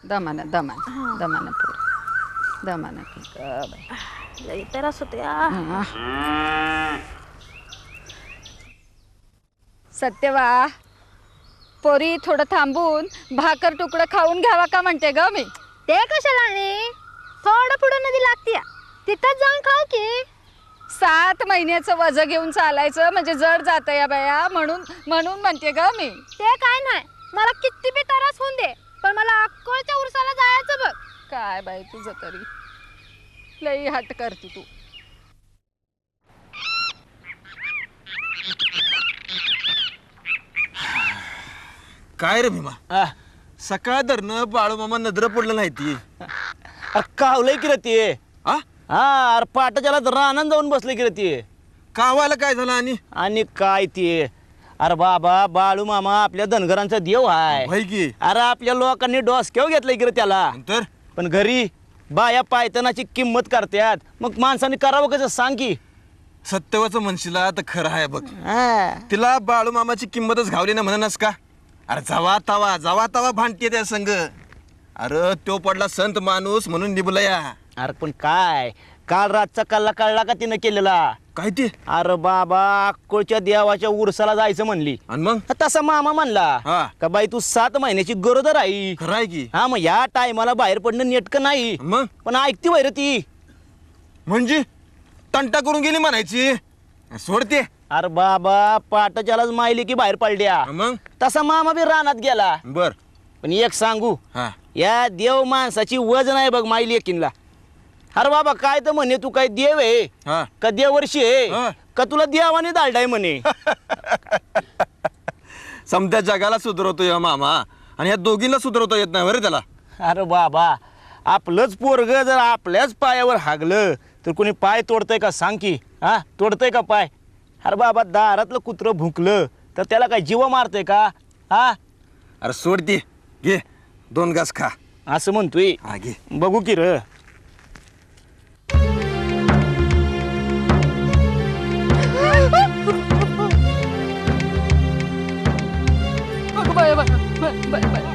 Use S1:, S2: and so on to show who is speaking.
S1: दमानं दमानं दमानं पोर दमानं की बाई
S2: लई त्रास होते
S1: सत्यवा पोरी थोडं थांबून भाकर तुकडं खाऊन घ्यावा का म्हणते ग मी.
S2: ते कशाला आणि थोडं पुढं नदी लागते तिथंच जाऊन खाऊ की.
S1: 7 महिन्याचं वजन घेऊन चालायचं म्हणजे जड जातं या बाया म्हणून म्हणते ग मी.
S2: ते काय नाही मला किती बी त्रास होऊन दे पण मला अक्कोळच्या उरसाला जायचं बघ.
S1: काय बाई तुझं तरी लई हट करते तू.
S3: काय रे भीमा सकाळ धरणं बाळूमामा नजर पडलं नाही ती.
S4: अरे कावलंय की रे ते.
S3: हा
S4: अरे पाटाच्याला तर आनंद जाऊन बसले की रे ते.
S3: कावायला काय झालं
S4: आणि काय ते. अरे बाबा बाळू मामा आपल्या धनगरांचा देव आहे.
S3: भाई की
S4: अरे आपल्या लोकांनी डोसक्याव घेतलंय की रे त्याला.
S3: तर
S4: पण घरी बाया पायतनाची किंमत करतात मग माणसाने करावं कसं सांग की.
S3: सत्यवाचं म्हणशीला तर खरं आहे बघ.
S4: हा.
S3: तिला बाळूमामाची किंमतच घावली ना म्हणूनच का. अरे जावा तवा भांडते त्या संग. अरे तो पडला संत माणूस म्हणून निभलया.
S4: अरे पण काय काल रातचा कल्ला कळला का तिनं केलेला.
S3: काय ते.
S4: अरे बाबा अक्कोळच्या देवाच्या उरसाला जायचं म्हणली
S3: आणि मग
S4: तसा मामा म्हणला
S3: हा.
S4: का बाई तू 7 महिन्याची गरोदर आहे.
S3: खरं आहे की.
S4: हा मग या टायमाला बाहेर पडणं नेटकं नाही.
S3: मग
S4: पण ऐकती वैर ती.
S3: म्हणजे तंटा करून गेली म्हणायची. सोडते.
S4: अरे बाबा पाटाच्यालाच मायली की बाहेर पडल्या.
S3: मग
S4: तसा मामा बी रानात गेला.
S3: बर
S4: पण एक सांगू
S3: हा
S4: या देव माणसाची वजन आहे बघ मायली एकीनला. अरे बाबा काय तर म्हणे तू काय देव आहे
S3: हा
S4: का देवर्षी
S3: हा.
S4: आहे का तुला देवाने दालडाय म्हणे.
S3: समत्या जगाला सुधरवतो या मामा आणि या दोघींना सुधरवता येत नाही बरं त्याला.
S4: अरे बाबा आपलंच पोरग जर आपल्याच पायावर हागलं तर कोणी पाय तोडतंय का सांग की. हा तोडतंय का पाय. अरे बाबा दारातलं कुत्रं भुंकलं तर त्याला काय जीव मारतंय का. हा
S3: अरे सोडते घे 2 घास खा.
S4: असं म्हणतोय.
S3: हा घे.
S4: बघू की र.
S1: Bye bye bye bye